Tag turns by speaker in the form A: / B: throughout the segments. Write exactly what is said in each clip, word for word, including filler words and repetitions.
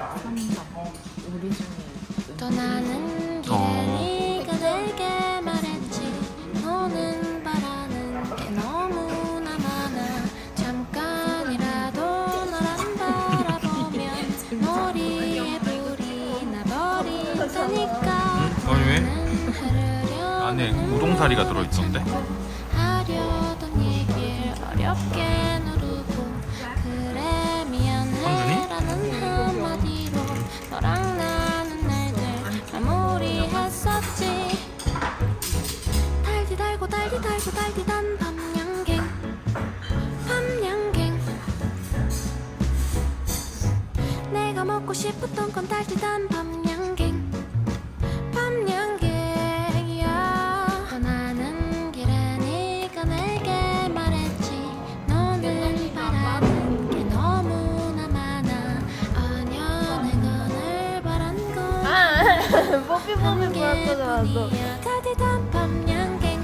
A: 우리 중에
B: 떠나는 길에
C: 어.
B: 네가 내게 말했지 너는 바라는 게 너무나 많아 잠깐이라도 널 안 바라보면 머리에 불이 나버린다니까
C: 아니 왜?
B: 나는 흐르려
C: 안에 우동사리가 들어있던데?
B: 하려던 얘길 어렵게 누르고 그래 미안해라는 한마디로 너랑 나는 날들 마무리했었지 달디 달고 달디 달고 달디던 밤양갱 밤양갱 내가 먹고 싶었던 건 달디던 밤양갱 밤양갱이야 떠나는 길에 네가 내게 말했지 너는 바라는 게 너무나 많아 아냐 내가 늘 바란 건
A: 뽀삐 뽀삐 뭐랄까 나왔어.
B: 달디던 밤양갱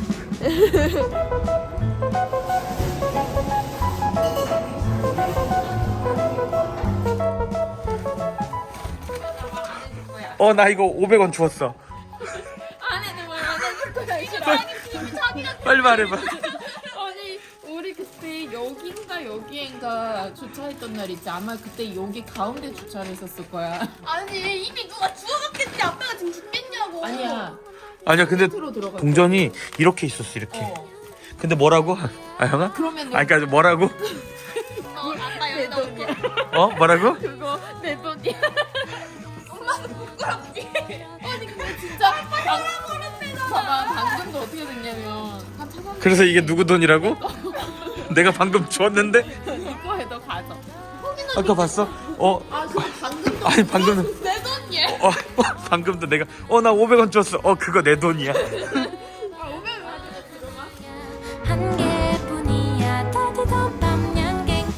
C: 어 나 이거 오백 원 주웠어.
A: 안에는 뭘 안 해줄 거야. 이게 자기 자기가
C: 빨리 말해봐.
A: 아니 우리 그때 여긴가 여기인가 주차했던 날 있지. 아마 그때 여기 가운데 주차를 했었을 거야.
D: 아니 이미 누가 주워갔겠지. 아빠가 지금 죽겠냐고.
A: 아니야.
C: 아니야 근데
A: 밑으로 들어가.
C: 동전이 이렇게 있었어 이렇게.
A: 어.
C: 근데 뭐라고? 아 형아?
A: 그러면
C: 아니 그러니까 뭐라고?
D: 어, 아빠 여기다 올게.
C: 어? 뭐라고?
A: 그거 내 돈이야. 엄마는 부끄럽지. 아니 근데 진짜 방, 봐봐 방금도 어떻게 됐냐면 한 차선
C: 그래서 이게 누구 돈이라고? 내가 방금 주웠는데?
A: 이거 해도 가져.
C: 아까 봤어? 어?
A: 아 그거 방금도
C: 아니 방금
A: 내 돈이야.
C: 어 방금도 내가 어 나 오백 원 줬어. 어 그거 내 돈이야.
A: 아 오면 가지고 들어가.
B: 한 개뿐이야 달디던 밤양갱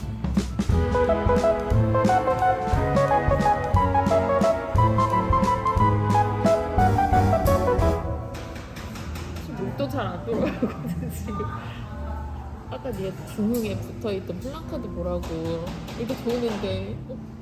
A: 목도 잘 안 돌아가거든 지금. 아까 네가 중흥에 붙어있던 플랜카드 보라고 이거 좋은데 어?